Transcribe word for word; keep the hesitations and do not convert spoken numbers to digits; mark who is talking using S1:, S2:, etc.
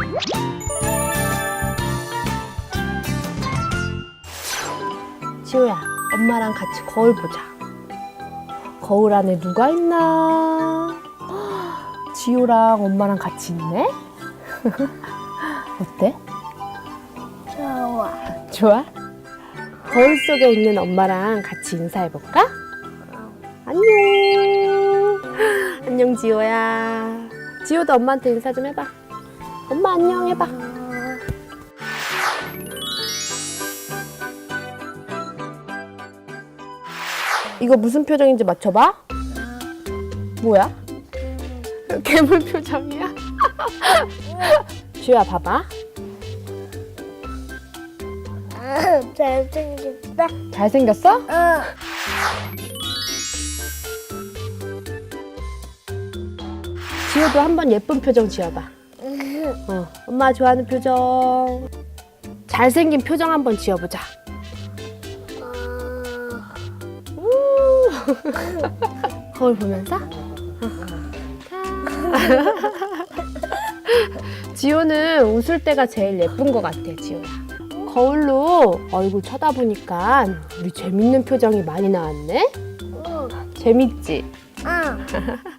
S1: 지호야, 엄마랑 같이 거울 보자. 거울 안에 누가 있나? 지호랑 엄마랑 같이 있네? 어때?
S2: 좋아.
S1: 좋아? 거울 속에 있는 엄마랑 같이 인사해볼까? 안녕. 안녕, 지호야. 지호도 엄마한테 인사 좀 해봐. 엄마 안녕 해봐. 이거 무슨 표정인지 맞춰봐. 뭐야? 괴물 표정이야? 지호야, 봐봐.
S2: 아, 잘생겼다.
S1: 잘생겼어?
S2: 어.
S1: 지호도 한번 예쁜 표정 지어봐. 어, 엄마 좋아하는 표정. 잘생긴 표정 한번 지어보자. 우. 거울 보면서. 지호는 웃을 때가 제일 예쁜 것 같아, 지호야. 거울로 얼굴 쳐다보니까 우리 재밌는 표정이 많이 나왔네?
S2: 응.
S1: 재밌지?
S2: 응.